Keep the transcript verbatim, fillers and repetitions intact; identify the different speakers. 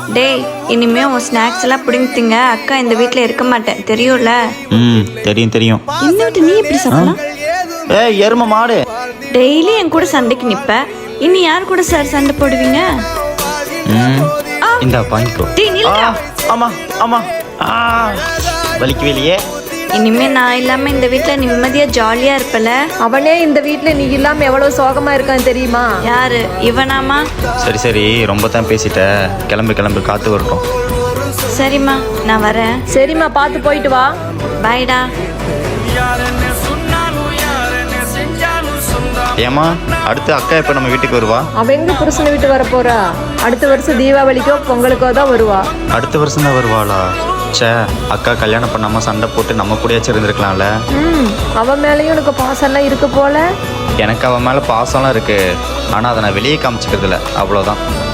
Speaker 1: டேய் இனிமே உன் ஸ்நாக்ஸ் எல்லாம் பிடிங்க திங்க. அக்கா இந்த வீட்டில் இருக்க மாட்டேன் தெரியும்ல.
Speaker 2: ம் தெரியும் தெரியும்.
Speaker 3: என்ன விட்டு நீ எப்படி சாப்பிடலாம்?
Speaker 2: ஏய் எரும மாடு.
Speaker 1: டெய்லி என் கூட சண்டைக்கு நிப்ப. இனி யார் கூட சார் சண்டை போடுவீங்க?
Speaker 2: ம் இந்த பாயிண்ட்கோ.
Speaker 1: டேய் நில்லுடா.
Speaker 2: ஆமா ஆமா ஆ வலிக்கவே இல்லையே.
Speaker 1: இனிமே நான் இல்லாம இந்த வீட்ல நிம்மதியா ஜாலியா இருப்பல.
Speaker 3: அவனே இந்த வீட்டுல நீ இல்லாம எவ்வளவு சோகமா இருக்கான்னு தெரியுமா?
Speaker 1: யாரு இவனாமா?
Speaker 2: சரி சரி ரொம்ப தான் பேசிட்ட. கிளம்பு கிளம்பு காத்து வரட்டும்.
Speaker 1: சரிம்மா நான் வரேன்.
Speaker 3: சரிம்மா பார்த்து போயிட்டு வா.
Speaker 1: பாய்டா.
Speaker 2: ஏமா அடுத்து அக்கா எப்ப நம்ம வீட்டுக்கு வருவா?
Speaker 3: அவ எங்க புருஷனை விட்டு வர போறா? அடுத்த வருஷம் தீபாவளிக்கோ பொங்கலுக்கோ தான் வருவா.
Speaker 2: அடுத்த வருஷம் தான் வருவாளா? சே அக்கா கல்யாணம் பண்ணாம சண்டை போட்டு நம்ம கூடயாச்சும் இருந்திருக்கலாம்ல.
Speaker 3: ம் அவன் மேலேயும் உனக்கு பாசம்லாம் இருக்கு போல.
Speaker 2: எனக்கு அவன் மேல பாசம்லாம் இருக்கு. ஆனா அதை நான் வெளியே காமிச்சிக்கிறது இல்லை, அவ்வளோதான்.